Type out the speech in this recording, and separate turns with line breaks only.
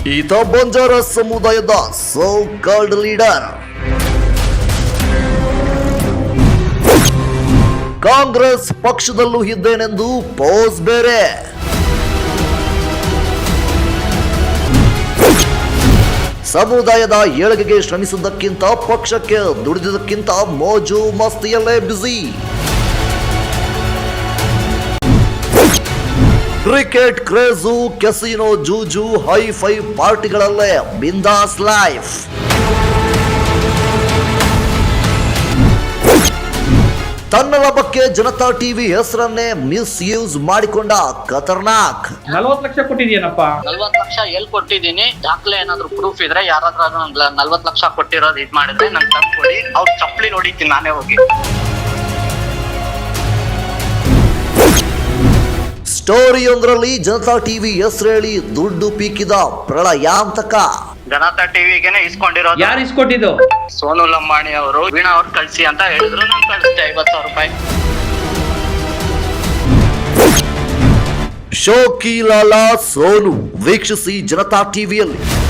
ಈತ ಬಂಜಾರ ಸಮುದಾಯದ so called leader. Congress ಪಕ್ಷದಲ್ಲೂ ಇದ್ದೇನೆಂದು ಪೋಸ್ ಬೇರೆ. ಸಮುದಾಯದ ಏಳಿಗೆಗೆ ಶ್ರಮಿಸುವುದಕ್ಕಿಂತ ಪಕ್ಷಕ್ಕೆ ದುಡಿದುದಕ್ಕಿಂತ ಮೋಜು ಮಸ್ತಿಯಲ್ಲೇ ಬ್ಯುಸಿ. ಕ್ರಿಕೆಟ್ ಕ್ರೇಜು, ಕೆಸಿನೋ ಜೂಜು, ಹೈ-ಫೈ ಪಾರ್ಟಿಗಳಲ್ಲೇ ಬಿಂದಾಸ್ ಲೈಫ್. ತನ್ನ ಲಾಭಕ್ಕೆ ಜನತಾ ಟಿವಿ ಹೆಸರನ್ನೇ ಮಿಸ್ಯೂಸ್ ಮಾಡಿಕೊಂಡ ಖತರ್ನಾಕ್.
40 ಲಕ್ಷ ಕೊಟ್ಟಿದ್ಯೇನಪ್ಪ?
40 ಲಕ್ಷ ಎಲ್ಲಿ ಕೊಟ್ಟಿದ್ದೀನಿ? ದಾಖಲೆ ಏನಾದ್ರು ಪ್ರೂಫ್ ಇದ್ರೆ ಯಾರಾದ್ರೂ 40 ಲಕ್ಷ ಕೊಟ್ಟಿರೋದು ಇದ್ ಮಾಡಿದ್ರೆ ನಂಗೆ ತಂದು ಕೊಡಿ. ಅವ್ರು ಚಪ್ಪಲಿ ನೋಡಿದ್ದೀನಿ ನಾನೇ ಹೋಗಿ.
ಸ್ಟೋರಿಯೊಂದರಲ್ಲಿ ಜನತಾ ಟಿವಿ ಹೆಸರು ಹೇಳಿ ದುಡ್ಡು ಪೀಕಿದ ಪ್ರಳಯಾಂತಕ.
ಜನತಾ ಟಿವಿಗೆನೆ ಇಸ್ಕೊಂಡಿರೋದು.
ಯಾರು ಇಸ್ಕೊಟ್ಟಿದ್ದು?
ಸೋನು ಲಂಬಾಣಿ ಅವರು ವೀಣಾ ಅವ್ರು ಕಳ್ಸಿ ಅಂತ ಹೇಳಿದ್ರು. ನಾನು ಕಳಿಸ್ತೆ 50,000 ರೂಪಾಯಿ.
ಶೋಕಿ ಲಾಲಾ ಸೋನು ವೀಕ್ಷಿಸಿ ಜನತಾ ಟಿವಿಯಲ್ಲಿ.